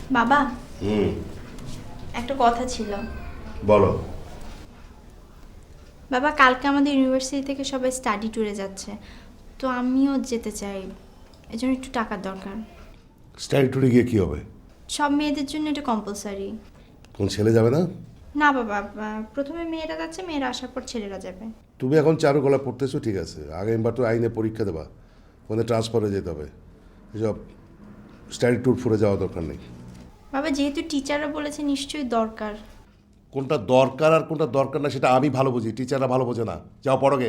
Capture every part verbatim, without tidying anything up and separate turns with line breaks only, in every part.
বাবা,
হুম,
একটা কথা ছিল।
বলো।
বাবা, কালকে আমাদের ইউনিভার্সিটি থেকে সবাই স্টাডি ট্যুরে যাচ্ছে, তো আমিও যেতে চাই। এজন্য একটু টাকার দরকার।
স্টাডি ট্যুরে গিয়ে কি হবে?
সব মেয়েদের জন্য এটা কম্পালসারি।
কোন ছেলে যাবে না?
না বাবা, আহ, প্রথমে মেয়েরা যাচ্ছে, মেয়েরা আসার পর ছেলেরা যাবে।
তুমি এখন চারুকলা পড়তেছো, ঠিক আছে, আগামীবার তো আইনে পরীক্ষা দেবা, ওখানে ট্রান্সফার হয়ে যেতে হবে। এসব স্টাডি ট্যুর ফুরে যাওয়া দরকার নেই।
বাবা, যেহেতু টিচাররা বলেছে নিশ্চয়ই দরকার।
কোনটা দরকার আর কোনটা দরকার না সেটা আমি ভালো বুঝি, টিচাররা ভালো বোঝে না। যাও পড়োগে।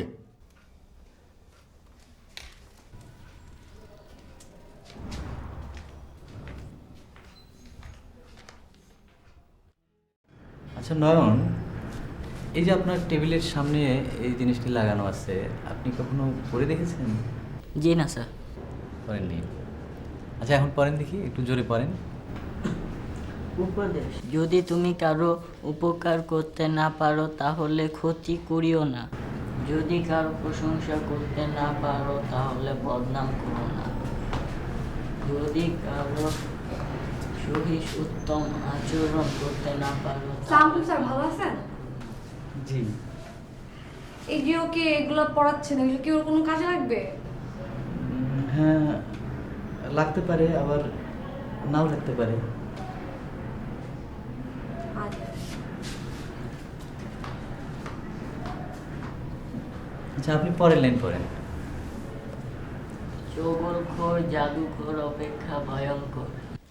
আচ্ছা নয়ন, এই যে আপনার টেবিলের সামনে এই জিনিসটি লাগানো আছে, আপনি কখনো পরে দেখেছেন?
জি না স্যার।
পড়েননি? আচ্ছা এখন পড়েন দেখি, একটু জোরে পড়েন।
উপদেশ, যদি তুমি কারো উপকার করতে না পারো তাহলে ক্ষতি করিও না, যদি কারো প্রশংসা করতে না পারো তাহলে বদনাম করো না, যদি কারো সহিস উত্তম আচরণ করতে না পারো
সালাম স্যার, ভালো আছেন?
জি।
এই যে ওকে এগুলো পড়াচ্ছেন, এগুলো কি ওর কোনো কাজে লাগবে?
উম, হ্যাঁ, লাগতে পারে, আবার নাও লাগতে পারে। আচ্ছা আপনি পরের লাইন পড়েন।
চগলখোর জাদুঘর অপেক্ষা ভয়ঙ্কর।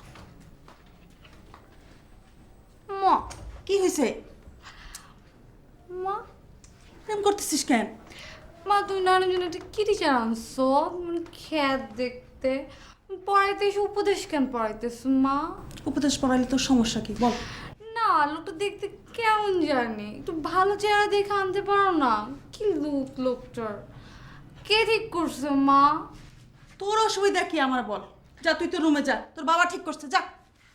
মা, কি হয়েছে?
মা
এরকম করতেছিস কেন?
মা তুমি নানার জন্য একটা কি টিচার আনছো? মানে খ্যাত দেখতে পড়াইতে এসে উপদেশ কেন পড়াইতেছো মা?
উপদেশ পড়াইলে তোর সমস্যা কি বল?
না, লোকটা দেখতে কেমন জানি, একটু ভালো চেহারা দেখে আনতে পারো না? কি লুক লোকটার, কে ঠিক করছো মা?
তোর অসুবিধা কি আমার বল? যা তুই তো রুমে যা, তোর বাবা ঠিক করছে, যা।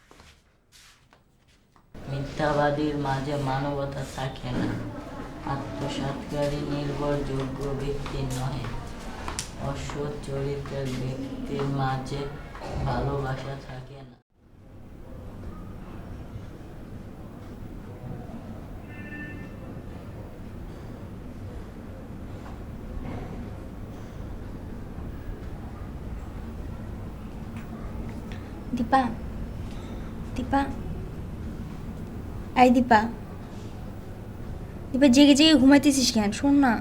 মিথ্যাবাদীর মাঝে মানবতা থাকে না, আত্মসাৎকারী নির্ভরযোগ্য ব্যক্তি নহে, অসৎ চরিত্রের ব্যক্তির মাঝে ভালোবাসা থাকে না।
দীপা, দীপা, এই দীপা, দীপা জেগে জেগে ঘুমাইতেছিস কেন? শোন না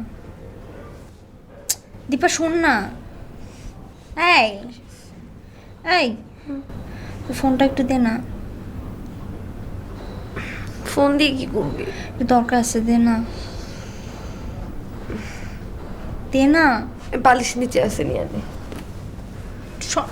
দীপা, শোন না। এই এই ফোনটা একটু দে না।
ফোন দিয়ে কি করবি?
একটু দরকার আছে, দে না, দে না।
বালিশ নিচে আছে, নিয়ে আনে।
শ-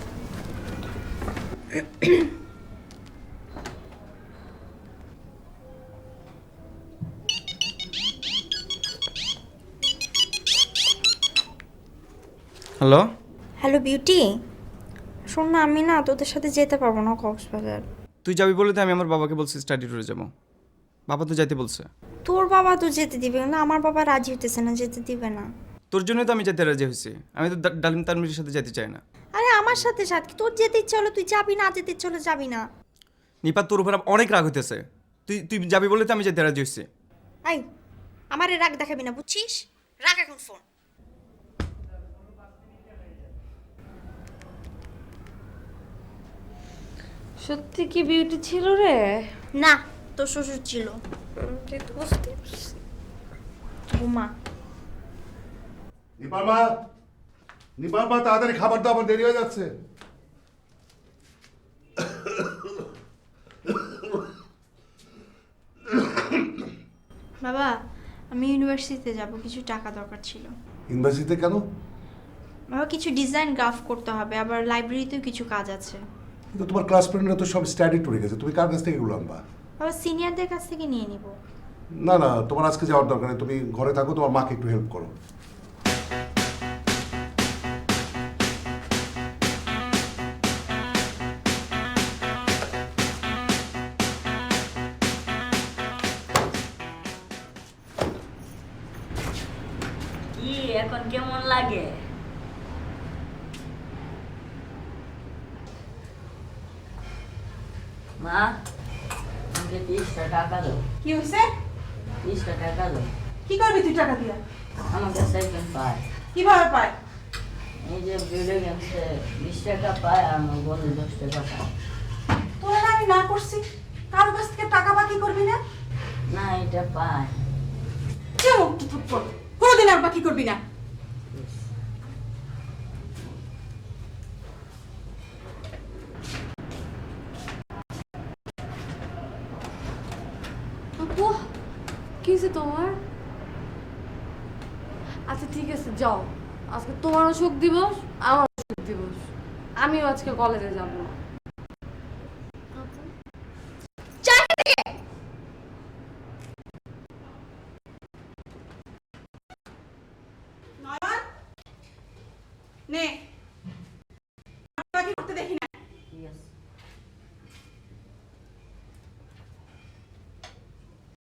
হ্যালো,
হ্যালো বিউটি, শোন না, আমি না তোদের সাথে যেতে পারবো না কক্সবাজার।
তুই যাবি বলে তো আমি আমার বাবাকে বলছি স্টাডি ট্যুরে যাবো। বাবা তো যাইতে বলছে।
তোর বাবা তো যেতে দিবে না, আমার বাবা রাজি হতেছে না, যেতে দিবে না।
তোর জন্যই তো আমি যেতে রাজি হয়েছি। আমি তো ডা- ডালিম তানমিরের সাথে যেতে চাই না।
আরে আমার সাথে সাথে তোর যেতে ইচ্ছে হলো তুই যাবি, না যেতে ইচ্ছে হলো যাবি না।
নিপাত, তোর উপর অনেক রাগ হইতেছে। তুই তুই যাবি বলে তো আমি যেতে রাজি হয়েছি।
আই, আমারে রাগ দেখাবি না, বুঝছিস? রাখ এখন ফোন।
সত্যি কি বিউটি ছিল রে?
না, তোর শ্বশুর ছিল।
তুই তো বুঝতে পারছিস।
ঘুমা।
নিপার মা, নিপার মা, তাড়াতাড়ি খাবার দাও, আমার দেরি হয়ে যাচ্ছে।
বাবা, আমি ইউনিভার্সিটিতে যাব, কিছু টাকা দরকার ছিল।
ইউনিভার্সিটিতে কেন?
বাবা, কিছু ডিজাইন গ্রাফ করতে হবে, আবার লাইব্রেরিতেও কিছু কাজ আছে।
কিন্তু তোমার ক্লাস ফ্রেন্ডরা তো সব স্টাডি ট্যুরে গেছে, তুমি কার কাছ থেকে এগুলো আনবা?
বাবা, সিনিয়রদের কাছ থেকে নিয়ে নিব।
না না, তোমার আজকে যাওয়ার দরকার নেই, তুমি ঘরে থাকো, তোমার মাকে একটু হেল্প করো।
কি এখন কেমন লাগে? মা আমাকে তিরিশটা টাকা দাও,
কি হয়েছে?
তিরিশটা টাকা দাও।
কি করবি তুই টাকা দিয়া?
আমাকে সাইকেল পায়,
কিভাবে পায়?
এই যে ভিডিও গেমসে বিশ টাকা পায় আর আমার বন্ধু দশ টাকা পায়।
তোরা না আমি না করছি, কারো কাছ থেকে টাকা বাকি করবি না?
না এটা পায়।
কেউ থাপ্পড় কোনোদিন আর বাকি করবি না।
আপু কি হয়েছে তোমার? আচ্ছা ঠিক আছে যাও, আজকে তোমারও সুখ দিবস আমারও সুখ দিবস, আমিও আজকে কলেজে যাব না।
নয়ন নে, বাকি করতে দেখি না।
ঠিক আছে।